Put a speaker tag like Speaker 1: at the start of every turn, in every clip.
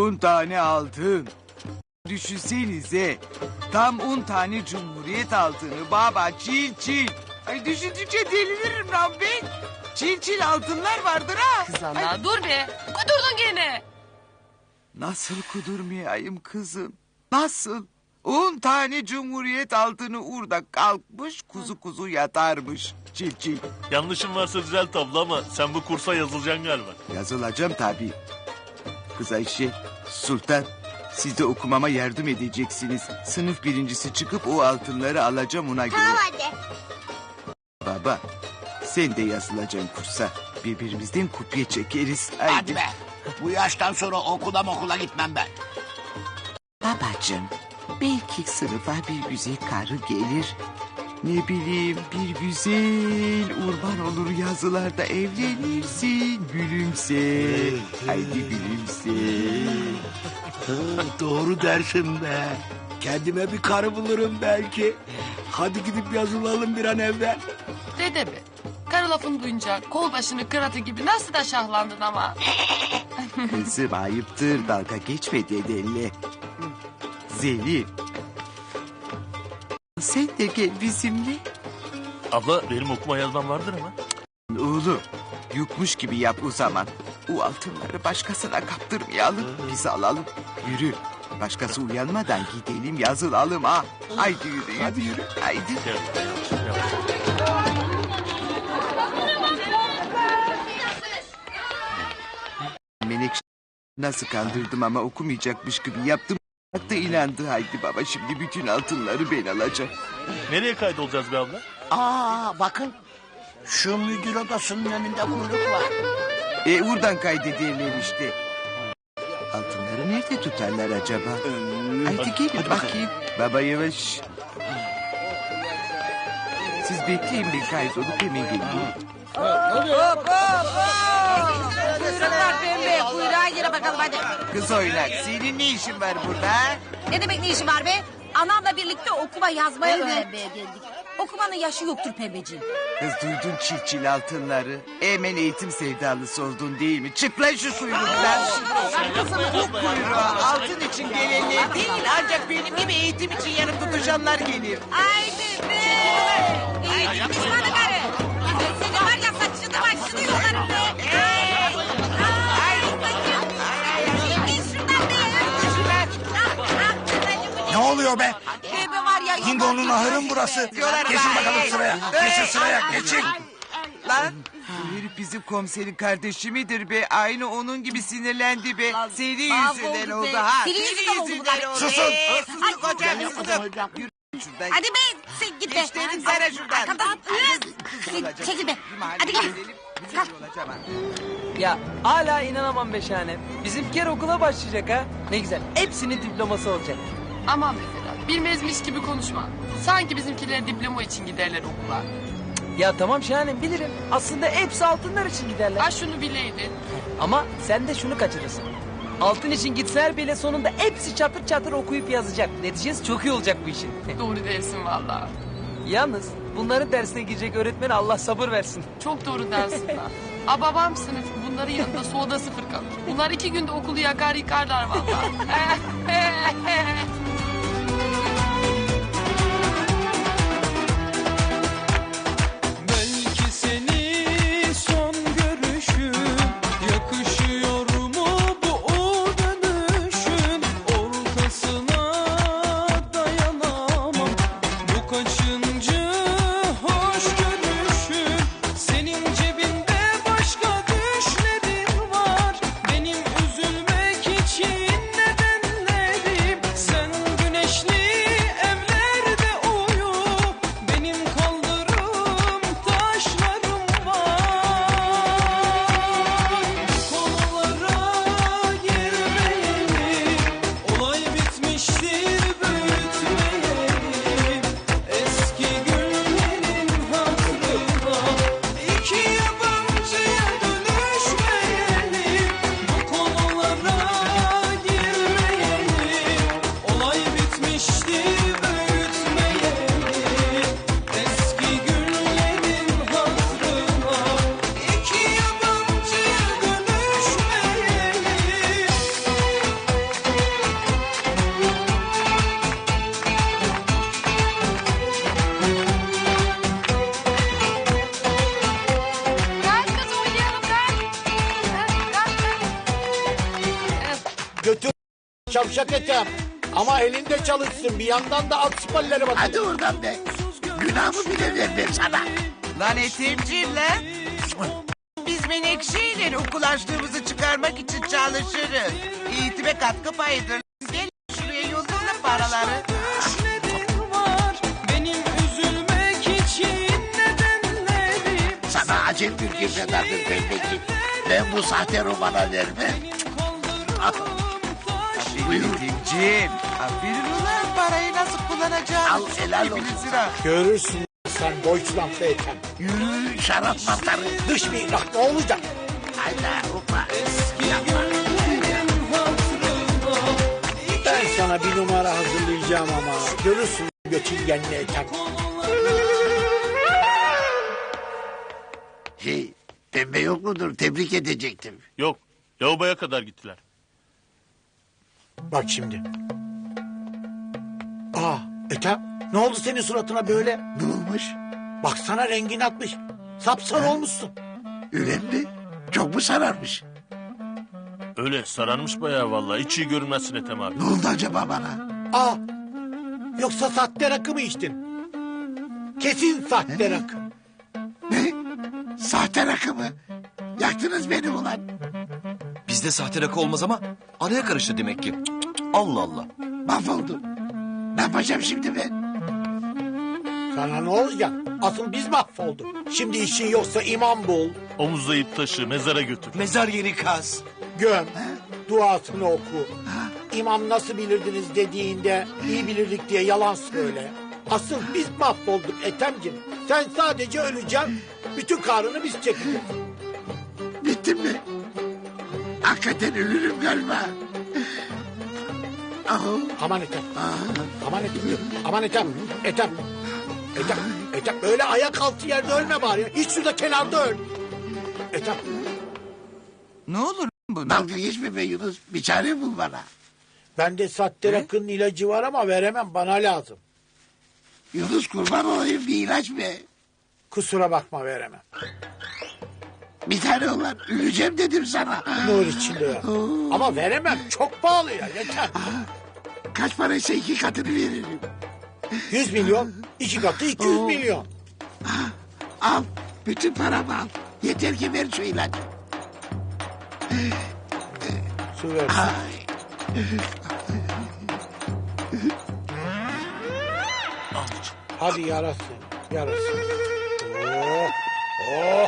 Speaker 1: 10 tane altın. Düşünsenize. Tam 10 tane cumhuriyet altını baba çil çil. Ay düşündükçe deliririm lan ben. Çil çil altınlar vardır ha.
Speaker 2: Kız ana dur be. Kudurdun gene.
Speaker 1: Nasıl kudurmayayım kızım? Nasıl? 10 tane cumhuriyet altını orada kalkmış kuzu kuzu yatarmış. Çil çil.
Speaker 3: Yanlışım varsa düzelt abla ama sen bu kursa yazılacaksın galiba.
Speaker 1: Yazılacağım tabii. Kız Ayşe, Sultan, siz de okumama yardım edeceksiniz. Sınıf birincisi çıkıp o altınları alacağım ona göre.
Speaker 4: Tamam anne.
Speaker 1: Baba, sen de yazılacaksın kursa. Birbirimizden kopya çekeriz.
Speaker 5: Hadi be. Bu yaştan sonra okula gitmem ben.
Speaker 1: Babacığım, belki sınıfa bir güzel karı gelir. Ne bileyim bir güzel urban olur yazılarda evlenirsin. Gülümse, haydi gülümse.
Speaker 5: Doğru dersin be. Kendime bir karı bulurum belki. Hadi gidip yazılalım bir an evvel.
Speaker 2: Dede be. Karı lafını duyunca kol başını kıratı gibi nasıl da şahlandın ama.
Speaker 1: Kızım ayıptır dalga geçme dedenle. Zeynep. Sen de gel bizimle.
Speaker 3: Abla benim okuma yazmam vardır ama.
Speaker 1: Oğlum yokmuş gibi yap o zaman. O altınları başkasına kaptırmayalım. Biz alalım. Yürü. Başkası uyanmadan gidelim yazılalım ha. Haydi yürü. Hadi yürü. Haydi.
Speaker 3: Gel. Gel.
Speaker 1: Menekşe nasıl kandırdım ama okumayacakmış gibi yaptım. Hatta inandı. Haydi baba şimdi bütün altınları ben alacağım.
Speaker 3: Nereye kaydolacağız be abla?
Speaker 5: Bakın. Şu müdür odasının önünde kuyruk var.
Speaker 1: Oradan kaydederler işte. Altınları nerede tutarlar acaba? Haydi gelin
Speaker 5: hadi
Speaker 1: bakayım. Baba yavaş. Siz bekleyin ben kaydolup hemen geleyim.
Speaker 6: Kuyruğlar pembe. Kuyruğa gire bakalım hadi.
Speaker 1: Kız oynak senin ne işin var burada?
Speaker 6: Ne demek ne işin var be? Anamla birlikte okuma yazmaya öğrenmeye geldik. Okumanın yaşı yoktur pembeciğim.
Speaker 1: Kız duydun çil çil altınları. Hemen eğitim sevdalısı oldun değil mi? Çık lan şu kuyruktan. Kızım bu kuyruğa altın için gelenler değil ancak benim gibi eğitim için yanıp tutuşanlar gelir.
Speaker 6: Haydi be. İyi gitmiş bana karı. Seni var ya saçını başını yolarım be.
Speaker 5: Ne oluyor be?
Speaker 6: Pembe var ya.
Speaker 5: Dingo'nun ahırı mı burası? Geçin bakalım sıraya. Geçin sıraya geçin.
Speaker 1: Lan bu herif bizim komiserin kardeşi midir be? Aynı onun gibi sinirlendi be. Senin yüzünden
Speaker 6: mahvoldu
Speaker 1: oldu
Speaker 6: be.
Speaker 1: ha.
Speaker 6: Senin yüzünden oldu bunlar.
Speaker 1: oldu.
Speaker 5: Susun.
Speaker 1: Susun hocam susun. Yürü şuradan.
Speaker 6: Hadi be sen git be.
Speaker 1: İşlerim sana şuradan.
Speaker 6: Arkamdan. Sen çekil be. Hadi gel. Kalk.
Speaker 7: Ya hala inanamam be Şahanem. Bizimkiler okula başlayacak ha. Ne güzel. Hepsinin diploması olacak.
Speaker 2: Aman be Ferhat. Bilmezmiş gibi konuşma. Sanki bizimkiler diploma için giderler okula.
Speaker 7: Ya tamam Şahanem bilirim. Aslında hepsi altınlar için giderler.
Speaker 2: Ha şunu bileydin.
Speaker 7: Ama sen de şunu kaçırırsın. Altın için gitseler bile sonunda hepsi çatır çatır okuyup yazacak. Neticesi çok iyi olacak bu işin.
Speaker 2: Doğru dersin vallahi.
Speaker 7: Yalnız bunların dersine girecek öğretmene Allah sabır versin.
Speaker 2: Çok doğru dersin lan. A babam sınıf bunların yanında soğuda sıfır kalır. Bunlar 2 günde okulu yakar yıkarlar vallahi.
Speaker 8: Belki seni son görüşüm yakışıyor mu bu dönüşün ortasına dayanamam bu kaçıncı hoş görüşüm senin cebinde başka düşlerin var benim üzülmek için nedenlerim sen
Speaker 5: Götür şavşak etem. Ama elinde çalışsın. Bir yandan da at spalleri bakın.
Speaker 4: Hadi oradan be. Günahımı bile vermem sana.
Speaker 1: Lan Ethemciğim lan. Biz Menekşe'yle okul açlığımızı çıkarmak için çalışırız. Eğitime katkı payıdır. Gel şuraya yolla paraları.
Speaker 8: Nedir var benim üzülmek için nedenlerim.
Speaker 4: Sana acem bir girmedardır belli. Ben bu sahte romana vermem.
Speaker 1: Aferin Ethemciğim. Aferin ulan parayı nasıl kullanacağını.
Speaker 4: Al, helal olsun.
Speaker 1: Bilirsin ha.
Speaker 5: Görürsün sen Deutschland'da etem.
Speaker 4: Yürü şarap mantarı.
Speaker 5: Dış mihrak ne olacak?
Speaker 4: Hayda hoppa.
Speaker 5: Ben sana bir numara hazırlayacağım ama. Görürsün göçingenli etem.
Speaker 4: Hey, pembe yok mudur? Tebrik edecektim.
Speaker 3: Yok. Lavaboya kadar gittiler.
Speaker 5: Bak şimdi. Aa Ethem ne oldu senin suratına böyle?
Speaker 4: Ne olmuş?
Speaker 5: Baksana rengin atmış. Sapsarı olmuşsun.
Speaker 4: Önemli. Çok mu sararmış?
Speaker 3: Öyle sararmış bayağı vallahi. Hiç iyi görünmezsin Ethem abi.
Speaker 4: Ne oldu acaba bana?
Speaker 5: Aa yoksa sahte rakı mı içtin? Kesin sahte rakı.
Speaker 4: Ne? Sahte rakı mı? Yaktınız beni ulan.
Speaker 9: Bizde sahte rakı olmaz ama araya karıştı demek ki. Allah Allah.
Speaker 4: Mahvoldum. Ne yapacağım şimdi ben?
Speaker 5: Sana ne olacak? Asıl biz mahvolduk. Şimdi işin yoksa imam bul,
Speaker 3: Omuzda ip taşı, mezara götür.
Speaker 9: Mezar yeri kaz.
Speaker 5: göm, duasını oku. İmam nasıl bilirdiniz dediğinde iyi bilirdik diye yalan söyle. Asıl biz mahvolduk Ethemciğim. Sen sadece öleceksin, bütün karını biz çekeceğiz.
Speaker 4: Bittim mi? Hakikaten ölürüm galiba. Aho.
Speaker 5: Aman Ethem. Aman Ethem. Aman Ethem. Ethem. Ethem. Ethem. Öyle ayak altı yerde ölme bari. Hiç şurada kenarda öl. Ethem.
Speaker 1: Ne olur buna?
Speaker 4: Dalga geçme be Yunus. Bir çare bul bana.
Speaker 5: Bende sahte rakının ilacı var ama veremem. Bana lazım.
Speaker 4: Yunus kurban olayım bir ilaç be.
Speaker 5: Kusura bakma veremem.
Speaker 4: Bir tane olan öleceğim dedim sana.
Speaker 5: Nur içinde ya. Ama veremem. Çok pahalı ya. Yeter.
Speaker 4: Kaç paraysa 2 katını veririm.
Speaker 5: 100 milyon. 2 katı 200 milyon.
Speaker 4: Al. Bütün paramı al. Yeter ki ver şu ilacı.
Speaker 5: Su ver.
Speaker 4: Ay.
Speaker 5: Hadi yarasın. Yarasın. Oh. Oh.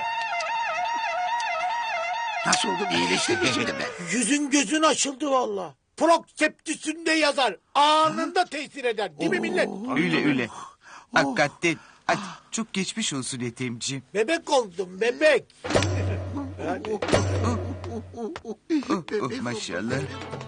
Speaker 4: Nasıl oldum iyileştim mi şimdi ben?
Speaker 5: Yüzün gözün açıldı valla. Prokseptüsünde yazar. Anında tesir eder. Değil mi millet?
Speaker 1: Öyle öyle. Hakikaten. Hadi çok geçmiş olsun Ethemciğim.
Speaker 5: Bebek oldum bebek. Hadi.
Speaker 1: Maşallah.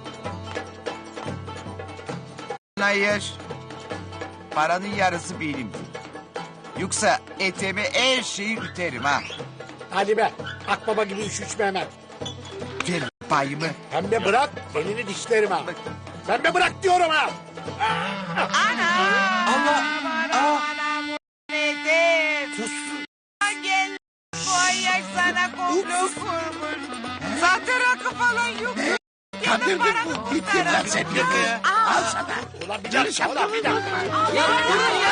Speaker 1: Hayır. Paranın yarısı benimdi. Yoksa Ethem'e her şeyi üterim ha.
Speaker 5: Hadi be. Akbaba gibi üşüşme hemen.
Speaker 1: Ver payımı.
Speaker 5: Pembe bırak. Elini dişlerim ha. Pembe bırak diyorum ha.
Speaker 1: Ethem.
Speaker 5: Sus.
Speaker 1: Gel. Bu ayyaş sana komplo kurmuş. Zaten rakı falan yok.
Speaker 4: Kandırdın mı? Bittin lan sen beni. Al sana.
Speaker 5: Ulan bir dakika. Ulan bir dakika.
Speaker 1: Dur ya.